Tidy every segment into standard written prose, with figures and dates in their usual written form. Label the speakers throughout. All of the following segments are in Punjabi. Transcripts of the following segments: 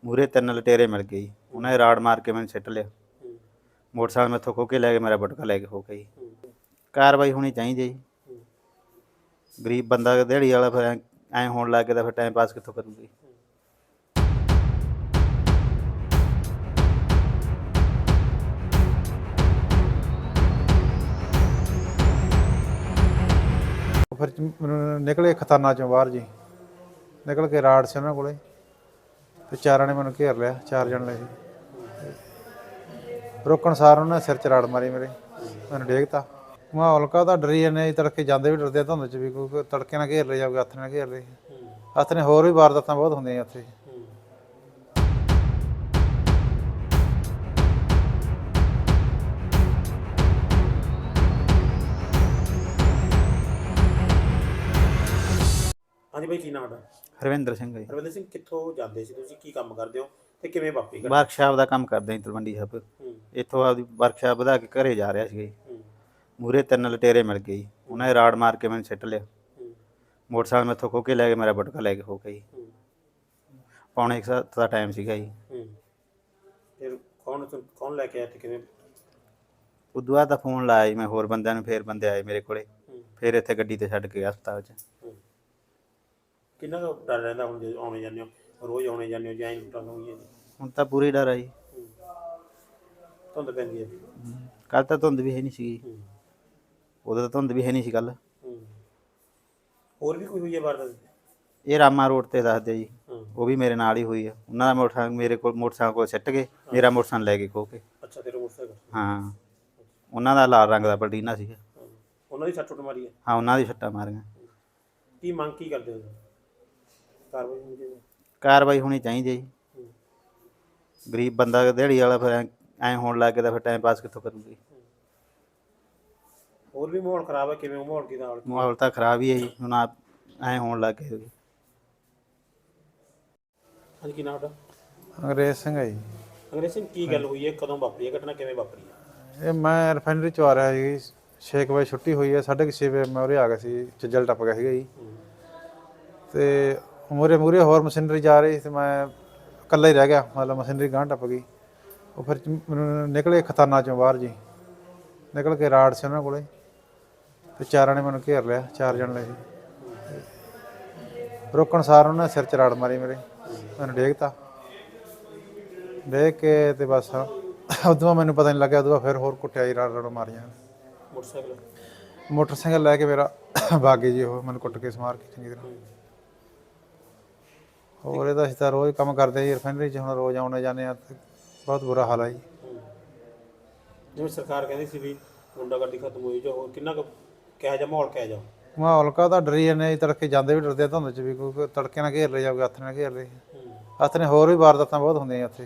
Speaker 1: ਮੂਹਰੇ 3 ਲਟੇਰੇ ਮਿਲ ਗਏ ਜੀ। ਉਹਨਾਂ ਨੇ ਰਾੜ ਮਾਰ ਕੇ ਮੈਨੂੰ ਸਿੱਟ ਲਿਆ। ਮੋਟਰਸਾਈਕਲ ਮੈਥੋਂ ਖੋਹ ਕੇ ਲੈ ਗਏ, ਮੇਰਾ ਬਟੂਆ ਲੈ ਕੇ ਖੋਹ ਕੇ ਜੀ। ਕਾਰਵਾਈ ਹੋਣੀ ਚਾਹੀਦੀ ਜੀ। ਗਰੀਬ ਬੰਦਾ ਦਿਹਾੜੀ ਵਾਲਾ ਫਿਰ ਐਂ ਹੋਣ ਲੱਗ ਗਿਆ ਤਾਂ ਫਿਰ ਟਾਈਮ ਪਾਸ ਕਿੱਥੋਂ ਕਰੂਗੀ।
Speaker 2: ਫਿਰ ਮੈਨੂੰ ਨਿਕਲੇ ਖਤਾਨਾਂ ਚੋਂ ਬਾਹਰ ਜੀ, ਨਿਕਲ ਕੇ ਰਾੜ ਸੀ ਉਹਨਾਂ ਕੋਲੇ ਤੇ ਚਾਰਾਂ ਨੇ ਮੈਨੂੰ ਘੇਰ ਲਿਆ। 4 ਜਣੇ ਸੀ। ਰੋਕਣ ਸਾਰ ਉਹਨਾਂ ਨੇ ਸਿਰ 'ਚ ਰਾੜ ਮਾਰੀ ਮੇਰੇ, ਮੈਨੂੰ ਡੇਗਤਾ। ਮਾਹੌਲ ਕਾਹਦਾ ਡਰੀ ਜਾਂਦੇ ਜੀ, ਤੜਕੇ ਜਾਂਦੇ ਵੀ ਡਰਦੇ ਆ ਧੁੰਦ 'ਚ ਵੀ, ਕੋਈ ਤੜਕੇ ਨਾਲ ਘੇਰ ਲਏ ਜਾਂ ਹੱਥ ਨਾਲ ਘੇਰ ਲਏ। ਹੱਥ ਨੇ ਹੋਰ ਵੀ ਵਾਰਦਾਤਾਂ ਬਹੁਤ ਹੁੰਦੀਆਂ ਉੱਥੇ।
Speaker 3: ਹਾਂਜੀ ਬਾਈ, ਕੀ ਨਾਮ ਤੁਹਾਡਾ?
Speaker 1: ਹਰਵਿੰਦਰ ਸਿੰਘ ਜੀ।
Speaker 3: ਹਰਵਿੰਦਰ ਸਿੰਘ, ਕਿੱਥੋਂ ਜਾਂਦੇ ਸੀ ਤੁਸੀਂ, ਕੀ ਕੰਮ ਕਰਦੇ ਹੋ ਤੇ ਕਿਵੇਂ ਵਾਪਰੀ ਘਟਨਾ?
Speaker 1: ਵਰਕਸ਼ਾਪ ਦਾ ਕੰਮ ਕਰਦਾ ਜੀ ਤਲਵੰਡੀ ਸਾਹਿਬ। ਇੱਥੋਂ ਆਪਦੀ ਵਰਕਸ਼ਾਪ ਵਧਾ ਕੇ ਘਰੇ ਜਾ ਰਿਹਾ ਸੀਗਾ ਜੀ। ਮੂਹਰੇ 3 ਲਟੇਰੇ ਮਿਲ ਗਏ ਜੀ। ਉਹਨਾਂ ਨੇ ਰਾੜ ਮਾਰ ਕੇ ਮੈਨੂੰ ਸਿੱਟ ਲਿਆ। ਮੋਟਰਸਾਈਕਲ ਮੈਥੋਂ ਖੋਹ ਕੇ ਲੈ ਗਏ, ਮੇਰਾ ਬਟੂਆ ਲੈ ਕੇ ਖੋਹ ਕੇ ਜੀ। ਪੌਣੇ 1 ਦਾ ਟਾਈਮ ਸੀਗਾ ਜੀ।
Speaker 3: ਫਿਰ ਕੌਣ ਲੈ ਕੇ ਆਇਆ ਤੇ ਕਿਵੇਂ?
Speaker 1: ਉਦੋਂ ਬਾਅਦ ਤਾਂ ਫੋਨ ਲਾਇਆ ਜੀ ਮੈਂ ਹੋਰ ਬੰਦਿਆਂ ਨੂੰ, ਫਿਰ ਬੰਦੇ ਆਏ ਮੇਰੇ ਕੋਲੇ, ਫਿਰ ਇੱਥੇ ਗੱਡੀ 'ਤੇ ਛੱਡ ਕੇ ਹਸਪਤਾਲ 'ਚ।
Speaker 3: ਕਿੰਨਾ ਕੁ ਡਰ ਰਹਿੰਦਾ ਹੁਣ ਜੇ ਆਉਣੇ ਜਾਂਦੇ ਹੋ, ਰੋਜ਼ ਆਉਣੇ ਜਾਂਦੇ ਹੋ ਜਾਂ ਐਂ ਲੁੱਟਾਂ ਹੋਈਆਂ ਜੀ?
Speaker 1: ਹੁਣ ਤਾਂ ਪੂਰੀ ਡਰ ਆ ਜੀ।
Speaker 3: ਧੁੰਦ ਪੈਂਦੀ ਹੈ।
Speaker 1: ਕੱਲ੍ਹ ਤਾਂ ਧੁੰਦ ਵੀ ਹੈ ਨਹੀਂ ਸੀਗੀ। ਉਦੋਂ ਤਾਂ ਧੁੰਦ ਵੀ ਹੈ ਨਹੀਂ ਸੀ ਕੱਲ੍ਹ।
Speaker 3: ਹੋਰ ਵੀ ਕੋਈ ਹੋਈ ਹੈ ਵਾਰਦਾਤ?
Speaker 1: ਇਹ ਰਾਮਾ ਰੋਡ 'ਤੇ ਦੱਸਦੇ ਜੀ, ਉਹ ਵੀ ਮੇਰੇ ਨਾਲ ਹੀ ਹੋਈ ਆ। ਉਹਨਾਂ ਦਾ ਮੋਟਰਸਾਈਕਲ ਮੇਰੇ ਕੋਲ ਸਿੱਟ ਗਏ, ਮੇਰਾ ਮੋਟਰਸਾਈਕਲ ਲੈ ਕੇ ਖੋਹ ਕੇ।
Speaker 3: ਅੱਛਾ, ਤੇਰਾ ਮੋਟਰਸਾਈਕਲ?
Speaker 1: ਹਾਂ, ਉਹਨਾਂ ਦਾ ਲਾਲ ਰੰਗ ਦਾ ਪਲਟੀਨਾ ਸੀਗਾ।
Speaker 3: ਉਹਨਾਂ ਦੀ ਸੱਟ ਮਾਰੀ ਹੈ?
Speaker 1: ਹਾਂ, ਉਹਨਾਂ ਦੀ ਸੱਟਾਂ ਮਾਰੀਆਂ।
Speaker 3: ਕੀ ਮੰਗ ਕੀ ਕਰਦੇ ਹੋ? ਕਾਰਵਾਈ ਹੋਣੀ ਚਾਹੀਦੀ?
Speaker 1: ਕਾਰਵਾਈ ਹੋਣੀ ਚਾਹੀਦੀ ਜੀ। ਗਰੀਬ ਬੰਦਾ ਦਿਹਾੜੀ ਵਾਲਾ ਫਿਰ ਐਂ ਹੋਣ ਲੱਗ ਗਿਆ ਤਾਂ ਫਿਰ ਟਾਈਮ ਪਾਸ ਕਿੱਥੋਂ ਕਰੂਗੀ।
Speaker 3: ਹੋਰ ਵੀ ਮਾਹੌਲ ਖਰਾਬ ਹੈ, ਕਿਵੇਂ ਮਾਹੌਲ ਕੀ ਨਾਲ?
Speaker 1: ਮਾਹੌਲ ਤਾਂ ਖਰਾਬ ਹੀ ਹੈ ਜੀ, ਹੁਣ ਐਂ ਹੋਣ ਲੱਗ ਗਿਆ।
Speaker 3: ਹਾਂਜੀ, ਕੀ ਨਾਮ ਤੁਹਾਡਾ?
Speaker 2: ਅੰਗਰੇਜ਼ ਸਿੰਘ ਹੈ ਜੀ।
Speaker 3: ਅੰਗਰੇਜ਼ ਸਿੰਘ, ਕੀ ਗੱਲ ਹੋਈ ਹੈ, ਕਦੋਂ ਵਾਪਰੀ ਹੈ ਘਟਨਾ, ਕਿਵੇਂ ਵਾਪਰੀ ਹੈ?
Speaker 2: ਇਹ ਮੈਂ ਰਿਫਾਈਨਰੀ 'ਚੋਂ ਆ ਰਿਹਾ ਸੀ, 6 ਵਜੇ ਛੁੱਟੀ ਹੋਈ ਹੈ, 6:30 ਵਜੇ ਮੈਂ ਉਰੇ ਆ ਗਿਆ ਸੀ, ਚੱਜਲ ਟੱਪ ਗਿਆ ਸੀਗਾ ਜੀ। ਤੇ ਮੂਹਰੇ ਹੋਰ ਮਸ਼ੀਨਰੀ ਜਾ ਰਹੀ ਤੇ ਮੈਂ ਇਕੱਲਾ ਹੀ ਰਹਿ ਗਿਆ, ਮਤਲਬ ਮਸ਼ੀਨਰੀ ਗਾਂਹ ਟੱਪ ਗਈ। ਉਹ ਫਿਰ ਮੈਨੂੰ ਨਿਕਲੇ ਖਤਾਨਾਂ ਚੋਂ ਬਾਹਰ ਜੀ, ਨਿਕਲ ਕੇ ਰਾੜ ਸੀ ਉਹਨਾਂ ਕੋਲੇ ਤੇ ਚਾਰਾਂ ਨੇ ਮੈਨੂੰ ਘੇਰ ਲਿਆ। 4 ਜਣੇ ਸੀ। ਰੋਕਣ ਸਾਰ ਉਹਨਾਂ ਨੇ ਸਿਰ 'ਚ ਰਾੜ ਮਾਰੀ ਮੇਰੇ, ਮੈਨੂੰ ਡੇਗਤਾ। ਡੇਗ ਕੇ ਤੇ ਬਸ ਉਦੋਂ ਮੈਨੂੰ ਪਤਾ ਨਹੀਂ ਲੱਗਿਆ। ਉਦੋਂ ਫਿਰ ਹੋਰ ਕੁੱਟਿਆ ਜੀ, ਰਾੜ ਮਾਰੀਆਂ। ਮੋਟਰਸਾਈਕਲ ਲੈ ਕੇ ਮੇਰਾ ਬਾਗੇ ਜੀ, ਉਹ ਮੈਨੂੰ ਕੁੱਟ ਕੇ ਸਮਾਰ ਕੇ ਚੰਗੀ ਤਰ੍ਹਾਂ। ਹੋਰ ਇਹਦਾ ਅਸੀਂ ਤਾਂ ਰੋਜ਼ ਕੰਮ ਕਰਦੇ ਜੀ ਰਿਫਾਈਨਰੀ 'ਚ, ਹੁਣ ਰੋਜ਼ ਆਉਣੇ ਜਾਂਦੇ ਆ, ਬਹੁਤ ਬੁਰਾ ਹਾਲ ਹੈ ਜੀ।
Speaker 3: ਜਿਵੇਂ ਸਰਕਾਰ ਕਹਿੰਦੀ ਸੀ ਵੀ ਗੁੰਡਾਗਰਦੀ ਖਤਮ ਹੋਈ, ਜਾਂ ਹੋਰ ਕਿੰਨਾ ਕੁ ਕਿਹੋ ਜਿਹਾ ਮਾਹੌਲ, ਕਿਹੋ ਜਿਹਾ?
Speaker 2: ਮਾਹੌਲ ਕਾਹਦਾ ਡਰੀ ਜਾਂਦੇ ਜੀ, ਤੜਕੇ ਜਾਂਦੇ ਵੀ ਡਰਦੇ ਆ ਧੁੰਦ 'ਚ ਵੀ, ਕੋਈ ਤੜਕੇ ਨਾਲ ਘੇਰ ਲਏ ਜਾਂ ਹੱਥ ਨਾਲ ਘੇਰ ਲਏ। ਹੱਥ ਨੇ ਹੋਰ ਵੀ ਵਾਰਦਾਤਾਂ ਬਹੁਤ ਹੁੰਦੀਆਂ ਉੱਥੇ।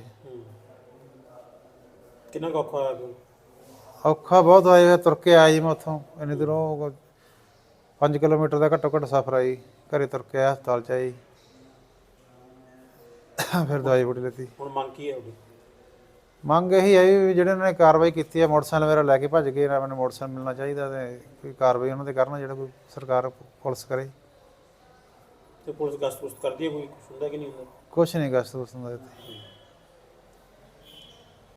Speaker 3: ਕਿੰਨਾ ਕੁ ਔਖਾ ਹੋਇਆ?
Speaker 2: ਔਖਾ ਬਹੁਤ ਹੋਇਆ। ਤੁਰ ਕੇ ਆਇਆ ਜੀ ਮੈਂ ਉੱਥੋਂ, ਇੰਨੀ ਦੂਰੋਂ 5 ਕਿਲੋਮੀਟਰ ਦਾ ਘੱਟੋ ਘੱਟ ਸਫ਼ਰ ਆਈ। ਘਰੇ ਤੁਰ ਕੇ ਆਇਆ, ਹਸਪਤਾਲ 'ਚ ਆਈ, ਫਿਰ ਦਵਾਈ ਬੂਟੀ ਲਿੱਤੀ।
Speaker 3: ਹੁਣ ਮੰਗ ਕੀ ਹੈ ਉਹਦੀ?
Speaker 2: ਮੰਗ ਇਹੀ ਹੈ ਵੀ ਜਿਹੜੇ ਉਹਨਾਂ ਨੇ ਕਾਰਵਾਈ ਕੀਤੀ ਹੈ, ਮੋਟਰਸਾਈਕਲ ਮੇਰਾ ਲੈ ਕੇ ਭੱਜ ਗਏ, ਮੈਨੂੰ ਮੋਟਰਸਾਈਕਲ ਮਿਲਣਾ ਚਾਹੀਦਾ ਤੇ ਕੋਈ ਕਾਰਵਾਈ ਉਹਨਾਂ 'ਤੇ ਕਰਨ, ਜਿਹੜਾ ਕੋਈ ਸਰਕਾਰ ਪੁਲਿਸ ਕਰੇ।
Speaker 3: ਤੇ ਪੁਲਿਸ ਗਸ਼ਤ ਕਰਦੀ ਹੈ, ਕੋਈ ਹੁੰਦਾ ਕਿ ਨਹੀਂ ਹੁੰਦਾ?
Speaker 2: ਕੁਛ ਨਹੀਂ ਗਸ਼ਤ ਗੁਸ਼ਤ ਹੁੰਦਾ ਇੱਥੇ।